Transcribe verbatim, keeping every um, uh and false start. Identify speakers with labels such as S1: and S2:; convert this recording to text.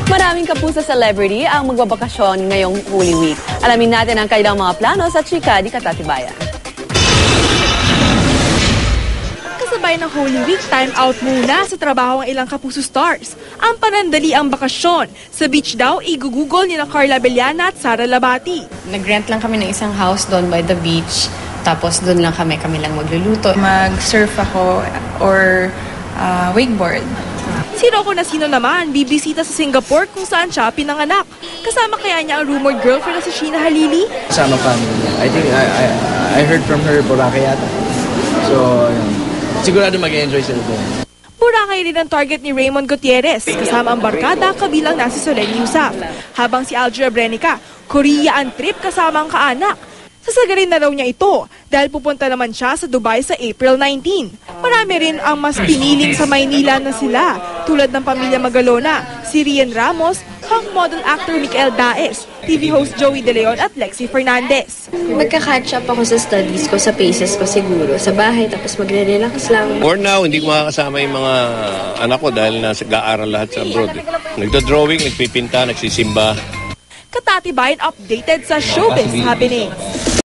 S1: Maraming kapuso celebrity ang magbabakasyon ngayong Holy Week. Alamin natin ang kanilang mga plano sa Chika di Katatibayan.
S2: Kasabay ng Holy Week, time out muna sa trabaho ang ilang kapuso stars. Ang panandali ang bakasyon. Sa beach daw, igugugol ni na Carla Bellana at Sara Labati.
S3: Nag-rent lang kami ng isang house doon by the beach. Tapos doon lang kami, kami lang magluluto.
S4: Mag-surf ako or uh, wakeboard.
S2: Si Rocco Nasino naman, bibisita sa Singapore kung saan siya pinanganak. Kasama kaya niya ang rumored girlfriend na si Sheena Halili?
S5: Kasama family niya. I think I, I, I heard from her Boracay yata. So, yun. Sigurado mag-enjoy sila doon.
S2: Boracay rin ang target ni Raymond Gutierrez, kasama ang barkada kabilang na si Solen Yusaf. Habang si Alger Brenica, Korea ang trip kasama ang kaanak. Sasagarin na raw niya ito dahil pupunta naman siya sa Dubai sa April nineteenth. Marami rin ang mas piniling sa Maynila na sila, tulad ng pamilya Magalona, si Rian Ramos, hunk model actor Mikael Daes, T V host Joey De Leon at Lexie Fernandez.
S6: Magka-catch up ako sa studies ko, sa paces ko siguro, sa bahay, tapos magre-relax lang.
S7: For now, hindi ko makakasama yung mga anak ko dahil nasa ga-aral lahat sa abroad. Nagdo-drawing, nagpipinta, nagsisimba.
S2: Katatibayan updated sa showbiz happenings.